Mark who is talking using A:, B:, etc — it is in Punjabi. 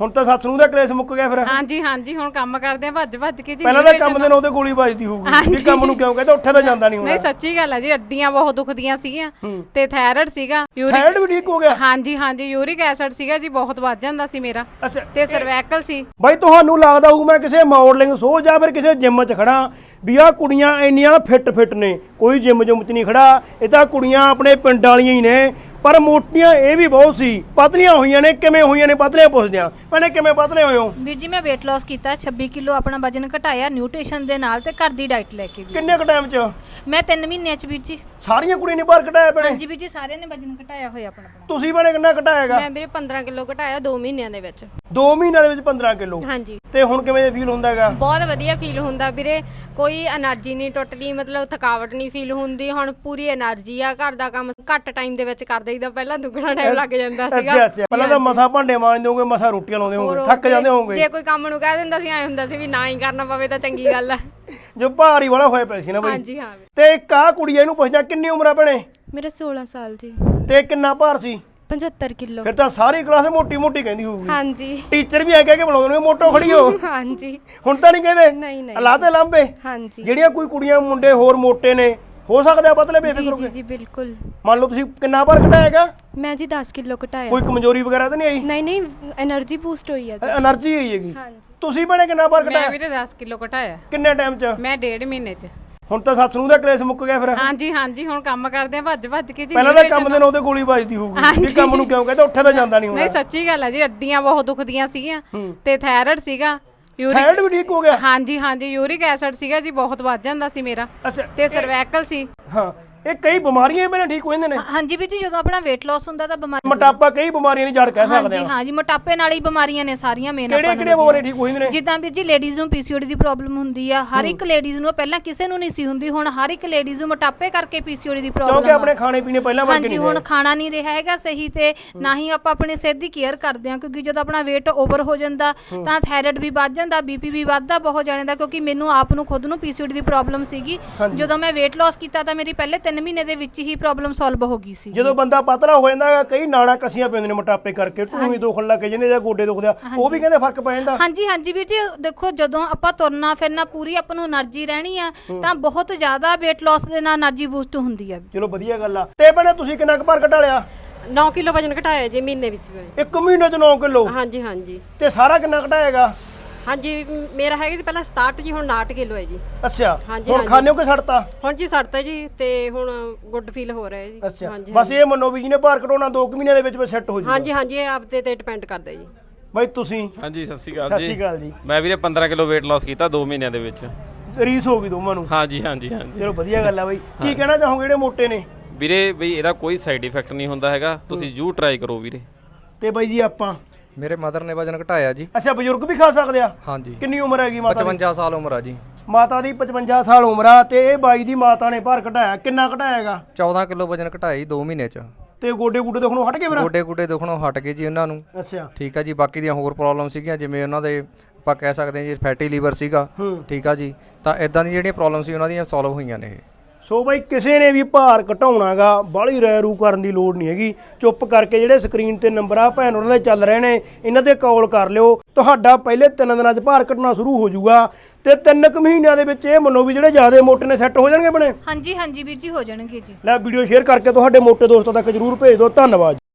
A: ਹੁਣ ਤਾਂ ਸੱਸ ਨੂੰ ਦਾ ਕਲੇਸ਼ ਮੁੱਕ ਗਿਆ ਫਿਰ।
B: ਹਾਂਜੀ ਹਾਂਜੀ ਹੁਣ ਕੰਮ ਕਰਦੇ ਆ ਭੱਜ ਭੱਜ ਕੇ ਜੀ।
A: ਪਹਿਲਾਂ ਤਾਂ ਕੰਮ ਦੇ ਨਾਲ ਉਹਦੇ ਗੋਲੀ ਵੱਜਦੀ ਹੋਊਗੀ ਵੀ ਕੰਮ ਨੂੰ ਕਿਉਂ ਕਹਿੰਦਾ, ਉੱਠਿਆ ਤਾਂ ਜਾਂਦਾ ਨਹੀਂ
B: ਨਹੀਂ ਸੱਚੀ ਗੱਲ ਹੈ ਜੀ, ਅੱਡੀਆਂ ਬਹੁਤ ਦੁਖਦੀਆਂ ਸੀਗੀਆਂ ਤੇ ਥਾਇਰਾਇਡ ਸੀਗਾ,
A: ਥਾਇਰਾਇਡ ਵੀ ਠੀਕ ਹੋ ਗਿਆ।
B: ਹਾਂਜੀ ਹਾਂਜੀ ਯੂਰਿਕ ਐਸਿਡ ਸੀਗਾ ਜੀ, ਬਹੁਤ ਵੱਧ ਜਾਂਦਾ ਸੀ ਮੇਰਾ ਤੇ ਸਰਵੈਕਲ ਸੀ।
A: ਬਾਈ ਤੁਹਾਨੂੰ ਲੱਗਦਾ ਹੋਊ ਮੈਂ ਕਿਸੇ ਮਾਡਲਿੰਗ ਸ਼ੋਅ ਜਾਂ ਫਿਰ ਕਿਸੇ ਜਿਮ 'ਚ ਖੜਾ ਵੀ ਆਹ ਕੁੜੀਆਂ ਇੰਨੀਆਂ ਫਿੱਟ ਨੇ, ਕੋਈ ਜਿਮ ਜੁਮ 'ਚ ਨਹੀਂ ਖੜਾ, ਇਹ ਤਾਂ ਕੁੜੀਆਂ ਆਪਣੇ ਪਿੰਡ ਵਾਲੀਆਂ ਹੀ ਨੇ, ਪਰ ਮੋਟੀਆਂ ਇਹ ਵੀ ਬਹੁਤ ਸੀ, ਪਤਲੀਆਂ ਹੋਈਆਂ ਨੇ। ਕਿਵੇਂ ਹੋਈਆਂ ਨੇ ਪਤਲੀਆਂ ਪੁੱਛਦੇ ਆ ਭੈਣੇ, ਕਿਵੇਂ ਪਤਲੇ ਹੋਏ ਹੋ?
C: ਵੀਰ ਜੀ ਮੈਂ weight loss ਕੀਤਾ, 26 ਕਿਲੋ ਆਪਣਾ ਵਜਨ ਘਟਾਇਆ ਨਿਊਟ੍ਰੀਸ਼ਨ ਦੇ ਨਾਲ ਤੇ ਘਰ ਦੀ ਡਾਈਟ ਲੈ ਕੇ।
A: ਕਿੰਨੇ ਕੁ ਟਾਈਮ 'ਚ?
C: ਮੈਂ 3 ਮਹੀਨਿਆਂ 'ਚ ਵੀਰ ਜੀ।
A: ਸਾਰੀਆਂ ਕੁੜੀਆਂ ਨੇ ਬਾਹਰ ਘਟਾਇਆ ਭੈਣੇ?
C: ਹਾਂਜੀ ਵੀਰ ਜੀ ਸਾਰਿਆਂ ਨੇ ਵਜਨ ਘਟਾਇਆ ਹੋਇਆ ਆਪਣਾ।
A: ਤੁਸੀਂ ਭੈਣੇ ਕਿੰਨਾ ਘਟਾਇਆਗਾ?
B: ਮੈਂ ਵੀਰੇ 15 ਕਿਲੋ ਘਟਾਇਆ 2 ਮਹੀਨਿਆਂ ਦੇ ਵਿੱਚ।
A: 2 ਮਹੀਨਿਆਂ ਦੇ ਵਿੱਚ 15 ਕਿਲੋ?
B: ਹਾਂਜੀ।
A: ਤੇ ਹੁਣ ਕਿਵੇਂ ਫੀਲ ਹੁੰਦਾ ਹੈਗਾ?
B: ਬਹੁਤ ਵਧੀਆ ਫੀਲ ਹੁੰਦਾ ਵੀਰੇ, ਕੋਈ એનર્ਜੀ ਨਹੀਂ ਟੁੱਟਦੀ, ਮਤਲਬ ਥਕਾਵਟ ਨਹੀਂ ਫੀਲ ਹੁੰਦੀ। ਹੁਣ ਪੂਰੀ એનર્ਜੀ ਆ, ਘਰ ਦਾ ਕੰਮ ਘੱਟ ਟਾਈਮ ਦੇ ਵਿੱਚ ਕਰ ਦਈਦਾ, ਪਹਿਲਾਂ ਦੁੱਗਣਾ ਟਾਈਮ ਲੱਗ ਜਾਂਦਾ ਸੀਗਾ।
A: ਅੱਛਾ ਪਹਿਲਾਂ ਤਾਂ ਮਸਾ ਭਾਂਡੇ ਮਾਂਜਦੇ ਹੋਗੇ, ਮਸਾ ਰੋਟੀਆਂ ਲਾਉਂਦੇ ਹੋਗੇ, ਥੱਕ ਜਾਂਦੇ ਹੋਗੇ।
B: ਜੇ ਕੋਈ ਕੰਮ ਨੂੰ ਕਹਿ ਦਿੰਦਾ ਸੀ ਐ ਹੁੰਦਾ ਸੀ ਵੀ ਨਾ ਹੀ ਕਰਨਾ ਪਵੇ ਤਾਂ ਚੰਗੀ ਗੱਲ ਆ।
A: ਜੋ ਭਾਰੀ ਵਾਲਾ ਹੋਇਆ ਪਿਆ ਸੀ ਨਾ ਬਈ।
B: ਹਾਂਜੀ ਹਾਂ।
A: ਤੇ ਇੱਕ ਆਹ ਕੁੜੀ ਇਹਨੂੰ ਪੁੱਛਦਾ ਕਿੰਨੀ ਉਮਰ ਆ ਭੈਣੇ?
D: ਮੇਰਾ 16 ਸਾਲ ਜੀ।
A: ਤੇ ਕਿੰਨਾ ਭਾਰ ਸੀ?
D: 75 ਕਿਲੋ।
A: ਫਿਰ ਤਾਂ ਸਾਰੀ ਕਲਾਸ ਮੋਟੀ ਮੋਟੀ ਕਹਿੰਦੀ ਹੋਊਗੀ।
D: ਹਾਂਜੀ।
A: ਟੀਚਰ ਵੀ ਐ ਕਹਿ ਕੇ ਬੁਲਾਉਂਦੇ ਨੇ ਮੋਟੋ ਖੜੀ ਹੋ।
D: ਹਾਂਜੀ।
A: ਹੁਣ ਤਾਂ ਨਹੀਂ ਕਹਿੰਦੇ?
D: ਨਹੀਂ ਨਹੀਂ।
A: ਲਾਤੇ ਲਾਂਬੇ।
D: ਹਾਂਜੀ।
A: ਜਿਹੜੀਆਂ ਕੋਈ ਕੁੜੀਆਂ ਮੁੰਡੇ ਹੋਰ ਮੋਟੇ ਨੇ, ਹੋ ਸਕਦਾ ਆ ਪਤਲੇ ਬੇਫਿਕਰ ਹੋ
D: ਜੀ
A: ਕੇ?
D: ਜੀ ਬਿਲਕੁਲ।
A: ਮੰਨ ਲਓ ਤੁਸੀਂ ਕਿੰਨਾ ਭਾਰ ਘਟਾਇਆਗਾ?
D: ਮੈਂ ਜੀ 10 ਕਿਲੋ ਘਟਾਇਆ।
A: ਕੋਈ ਕਮਜ਼ੋਰੀ ਵਗੈਰਾ ਤਾਂ ਨਹੀਂ ਆਈ?
D: ਨਹੀਂ ਨਹੀਂ એનર્ਜੀ ਬੂਸਟ ਹੋਈ ਹੈ ਜੀ।
A: એનર્ਜੀ ਆਈ ਹੈਗੀ।
D: ਹਾਂਜੀ।
A: ਤੁਸੀਂ ਭੈਣੇ ਕਿੰਨਾ ਭਾਰ
B: ਮੈਂ
A: ਘਟਾਇਆ?
B: ਵੀਰੇ 10 ਕਿਲੋ ਘਟਾਇਆ।
A: ਕਿੰਨੇ ਟਾਈਮ 'ਚ?
B: ਮੈਂ 1.5 ਮਹੀਨੇ 'ਚ।
A: ਹੁਣ ਤਾਂ ਸੱਸ ਨੂੰ ਦਾ ਕਲੇਸ਼ ਮੁੱਕ ਗਿਆ ਫਿਰ।
B: ਹਾਂਜੀ ਹਾਂਜੀ ਹੁਣ ਕੰਮ ਕਰਦੇ ਆ ਭੱਜ ਭੱਜ ਕੇ ਜੀ।
A: ਪਹਿਲਾਂ ਤਾਂ ਕੰਮ ਦੇ ਨਾਲ ਉਹਦੇ ਗੋਲੀ ਵੱਜਦੀ ਹੋਊਗੀ ਵੀ ਕੰਮ ਨੂੰ ਕਿਉਂ ਕਹਿੰਦਾ, ਉੱਠਿਆ ਤਾਂ ਜਾਂਦਾ ਨਹੀਂ
B: ਨਹੀਂ ਸੱਚੀ ਗੱਲ ਹੈ ਜੀ, ਅੱਡੀਆਂ ਬਹੁਤ ਦੁਖਦੀਆਂ ਸੀਗੀਆਂ ਤੇ ਥਾਇਰਾਇਡ ਸੀਗਾ,
A: ਥਾਇਰਾਇਡ ਵੀ ਠੀਕ ਹੋ ਗਿਆ।
B: ਹਾਂਜੀ ਹਾਂਜੀ ਯੂਰਿਕ ਐਸਿਡ ਸੀਗਾ ਜੀ, ਬਹੁਤ ਵੱਧ ਜਾਂਦਾ ਸੀ ਮੇਰਾ ਤੇ ਸਰਵੈਕਲ ਸੀ।
A: ਹਾਂ ਇਹ ਕਈ ਬਿਮਾਰੀਆਂ ਮੇਰੇ ਠੀਕ ਹੋ ਜਾਂਦੇ ਨੇ।
C: ਹਾਂਜੀ ਵੀਰ ਜੀ ਜਦੋਂ ਆਪਣਾ weight loss ਹੁੰਦਾ ਤਾਂ ਬਿਮਾਰੀ
A: ਮੋਟਾਪਾ ਕਈ ਬਿਮਾਰੀਆਂ ਦੀ ਜੜ ਕਹਿ ਸਕਦੇ
C: ਹਾਂਜੀ ਹਾਂ ਜੀ, ਮੋਟਾਪੇ ਨਾਲ ਹੀ ਬਿਮਾਰੀਆਂ ਨੇ ਸਾਰੀਆਂ ਮੇਨ
A: ਕਿਹੜੀਆਂ ਕਿਹੜੀਆਂ ਬਿਮਾਰੀਆਂ ਠੀਕ ਹੋ ਜਾਂਦੀਆਂ ਨੇ?
C: ਜਿੱਦਾਂ ਵੀਰ ਜੀ ਲੇਡੀਜ਼ ਨੂੰ ਪੀਸੀਓਡੀ ਦੀ ਪ੍ਰੋਬਲਮ ਹੁੰਦੀ ਆ, ਹਰ ਇੱਕ ਲੇਡੀਜ਼ ਨੂੰ, ਪਹਿਲਾਂ ਕਿਸੇ ਨੂੰ ਨਹੀਂ ਸੀ ਹੁੰਦੀ, ਹੁਣ ਹਰ ਇੱਕ ਲੇਡੀਜ਼ ਨੂੰ ਮੋਟਾਪੇ ਕਰਕੇ ਪੀਸੀਓਡੀ ਦੀ ਪ੍ਰੋਬਲਮ
A: ਕਿਉਂਕਿ ਆਪਣੇ ਖਾਣੇ ਪੀਣੇ ਪਹਿਲਾਂ ਵਰਗੇ
C: ਹਾਂਜੀ ਹੁਣ ਖਾਣਾ ਨਹੀਂ ਰਿਹਾ ਹੈਗਾ ਸਹੀ, ਤੇ ਨਾ ਹੀ ਆਪਾਂ ਆਪਣੀ ਸਿਹਤ ਦੀ ਕੇਅਰ ਕਰਦੇ ਹਾਂ, ਕਿਉਂਕਿ ਜਦੋਂ ਆਪਣਾ weight ਓਵਰ ਹੋ ਜਾਂਦਾ ਤਾਂ ਥਾਇਰਾਇਡ ਵੀ ਵੱਧ ਜਾਂਦਾ, ਬੀਪੀ ਵੀ ਵੱਧਦਾ ਬਹੁਤ ਜਾਣੇ ਦਾ, ਕਿਉਂਕਿ ਮੈਨੂੰ ਆਪ ਨੂੰ ਖੁਦ ਨੂੰ ਪੀਸੀਓਡੀ ਦੀ ਪ੍ਰੋਬਲਮ ਸੀਗੀ। ਜਦੋਂ ਮੈਂ weight loss ਕੀਤਾ ਤਾਂ ਮੇਰੀ ਪਹਿਲੇ 3 ਮਹੀਨੇ ਦੇ ਵਿੱਚ ਹੀ ਪ੍ਰੋਬਲਮ ਸੋਲਵ ਹੋ ਗਈ ਸੀ।
A: ਜਦੋਂ ਬੰਦਾ ਪਤਲਾ ਹੋ ਜਾਂਦਾ ਕਈ ਨਾੜਾਂ ਕਸੀਆਂ ਪੈਂਦੀਆਂ ਨੇ ਮੋਟਾਪੇ ਕਰਕੇ, ਢੂਹੀ ਦੁਖਣ ਲੱਗ ਜਾਂਦੇ ਜਾਂ ਗੋਡੇ ਦੁਖਦੇ ਆ, ਉਹ ਵੀ ਕਹਿੰਦੇ ਫਰਕ ਪੈ ਜਾਂਦਾ।
C: ਹਾਂਜੀ ਹਾਂਜੀ ਵੀਰ ਜੀ ਦੇਖੋ ਜਦੋਂ ਆਪਾਂ ਤੁਰਨਾ ਫਿਰਨਾ ਪੂਰੀ ਆਪਾਂ ਨੂੰ એનર્ਜੀ ਰਹਿਣੀ ਆ ਤਾਂ ਬਹੁਤ ਜ਼ਿਆਦਾ weight loss ਦੇ ਨਾਲ એનર્ਜੀ ਬੂਸਟ ਹੁੰਦੀ ਆ।
A: ਚਲੋ ਵਧੀਆ ਗੱਲ ਆ। ਤੇ ਭੈਣੇ ਤੁਸੀਂ ਕਿੰਨਾ ਕੁ ਭਾਰ ਘਟਾ ਲਿਆ?
E: 9 ਕਿਲੋ ਵਜਨ ਘਟਾਇਆ ਜੀ ਮਹੀਨੇ ਵਿੱਚ।
A: 1 ਮਹੀਨੇ 'ਚ 9 ਕਿਲੋ?
E: ਹਾਂਜੀ ਹਾਂਜੀ।
A: ਤੇ ਸਾਰਾ ਕਿੰਨਾ ਘਟਾਏਗਾ?
E: ਹਾਂਜੀ ਮੇਰਾ ਹੈਗਾ ਜੀ ਪਹਿਲਾਂ 67 ਜੀ, ਹੁਣ 59 ਕਿਲੋ ਹੈ ਜੀ।
A: ਅੱਛਾ
E: ਹਾਂਜੀ,
A: ਹੁਣ
E: ਹਾਂਜੀ।
A: ਖਾਣੇ ਹੋ ਕਿ ਛੱਡਤਾ?
E: ਹੁਣ ਜੀ ਛੱਡਤਾ ਜੀ ਤੇ ਹੁਣ ਗੁੱਡ ਫੀਲ ਹੋ ਰਿਹਾ ਹੈ ਜੀ।
A: ਅੱਛਾ
E: ਹਾਂਜੀ
A: ਬਸ ਇਹ ਮੰਨੋ ਵੀ ਜਿਹਨੇ ਭਾਰ ਘਟਾਉਣਾ 2 ਮਹੀਨਿਆਂ ਦੇ ਵਿੱਚ ਸੈੱਟ ਹੋ ਜਾਊਗਾ।
E: ਹਾਂਜੀ ਹਾਂਜੀ ਇਹ ਆਪਦੇ ਤੇ ਡਿਪੈਂਡ ਕਰਦਾ ਜੀ।
A: ਬਾਈ ਤੁਸੀਂ?
F: ਹਾਂਜੀ ਸਤਿ ਸ਼੍ਰੀ
A: ਸਤਿ
F: ਅਕਾਲ
A: ਸ਼੍ਰੀ ਅਕਾਲ ਜੀ।
F: ਮੈਂ ਵੀਰੇ 15 ਕਿਲੋ weight loss ਕੀਤਾ 2 ਮਹੀਨਿਆਂ ਦੇ ਵਿੱਚ।
A: ਰੀਸ ਹੋ ਗਈ ਦੋਵਾਂ ਨੂੰ?
F: ਹਾਂਜੀ ਹਾਂਜੀ ਹਾਂਜੀ।
A: ਚਲੋ ਵਧੀਆ ਗੱਲ ਆ ਬਾਈ। ਕੀ ਕਹਿਣਾ ਚਾਹੋਗੇ ਜਿਹੜੇ ਮੋਟੇ ਨੇ?
F: ਵੀਰੇ ਬਈ ਇਹਦਾ ਕੋਈ ਸਾਈਡ ਇਫੈਕਟ ਨਹੀਂ ਹੁੰਦਾ ਹੈਗਾ, ਤੁਸੀਂ ਜ਼ਰੂਰ ਟਰਾਈ ਕਰੋ ਵੀਰੇ।
A: ਤੇ ਬਾਈ ਜੀ ਆਪਾਂ?
G: ਮੇਰੇ ਮਦਰ ਨੇ ਵਜਨ ਘਟਾਇਆ ਜੀ।
A: ਅੱਛਾ ਬਜ਼ੁਰਗ ਵੀ ਖਾ ਸਕਦੇ ਆ?
G: ਹਾਂਜੀ।
A: ਕਿੰਨੀ ਉਮਰ ਹੈਗੀ ਮਾਤਾ ਦੀ?
G: 55 ਸਾਲ ਉਮਰ ਆ ਜੀ।
A: ਮਾਤਾ ਦੀ 55 ਸਾਲ ਉਮਰ ਆ ਤੇ ਇਹ ਬਾਈ ਦੀ ਮਾਤਾ ਨੇ ਭਾਰ ਘਟਾਇਆ, ਕਿੰਨਾ ਘਟਾਇਆਗਾ?
G: 14 ਕਿਲੋ ਵਜਨ ਘਟਾਇਆ ਜੀ 2 ਮਹੀਨੇ ਚ।
A: ਤੇ ਗੋਡੇ ਗੁੱਡੇ ਦੁਖਣੋਂ ਹਟ ਗਏ ਫਿਰ?
G: ਗੋਡੇ ਗੁੱਡੇ ਦੁਖਣੋਂ ਹਟ ਗਏ ਜੀ ਉਹਨਾਂ ਨੂੰ।
A: ਅੱਛਾ
G: ਠੀਕ ਆ ਜੀ। ਬਾਕੀ ਦੀਆਂ ਹੋਰ ਪ੍ਰੋਬਲਮ ਸੀਗੀਆਂ, ਜਿਵੇਂ ਉਹਨਾਂ ਦੇ ਆਪਾਂ ਕਹਿ ਸਕਦੇ ਹਾਂ ਜੀ ਫੈਟੀ ਲੀਵਰ ਸੀਗਾ। ਠੀਕ ਆ ਜੀ। ਤਾਂ ਇਦਾਂ ਦੀਆਂ ਜਿਹੜੀਆਂ ਪ੍ਰੋਬਲਮ ਸੀ ਉਹਨਾਂ ਦੀਆਂ ਸੋਲਵ ਹੋਈਆਂ ਨੇ ਇਹ।
A: ਸੋ ਬਾਈ ਕਿਸੇ ਨੇ ਵੀ ਭਾਰ ਘਟਾਉਣਾਗਾ ਬਾਹਲੀ ਰੈ ਰੂ ਕਰਨ ਦੀ ਲੋੜ ਨਹੀਂ ਹੈਗੀ। ਚੁੱਪ ਕਰਕੇ ਜਿਹੜੇ ਸਕਰੀਨ ਤੇ ਨੰਬਰ ਆ ਭੈਣ ਉਹਨਾਂ ਦੇ ਚੱਲ ਰਹੇ ਨੇ, ਇਹਨਾਂ ਤੇ ਕਾਲ ਕਰ ਲਿਓ। ਤੁਹਾਡਾ ਪਹਿਲੇ 3 ਦਿਨਾਂ 'ਚ ਭਾਰ ਘਟਣਾ ਸ਼ੁਰੂ ਹੋ ਜਾਊਗਾ ਤੇ 3 ਮਹੀਨਿਆਂ ਦੇ ਵਿੱਚ ਇਹ ਮੰਨੋ ਵੀ ਜਿਹੜੇ ਜ਼ਿਆਦਾ ਮੋਟੇ ਨੇ ਸੈੱਟ ਹੋ ਜਾਣਗੇ ਬਣੇ।
C: ਹਾਂਜੀ ਹਾਂਜੀ ਵੀਰ ਜੀ ਹੋ ਜਾਣਗੇ ਜੀ।
A: ਲੈ ਵੀਡੀਓ ਸ਼ੇਅਰ ਕਰਕੇ ਤੁਹਾਡੇ ਮੋਟੇ ਦੋਸਤਾਂ ਤੱਕ ਜਰੂਰ ਭੇਜ ਦਿਓ। ਧੰਨਵਾਦ।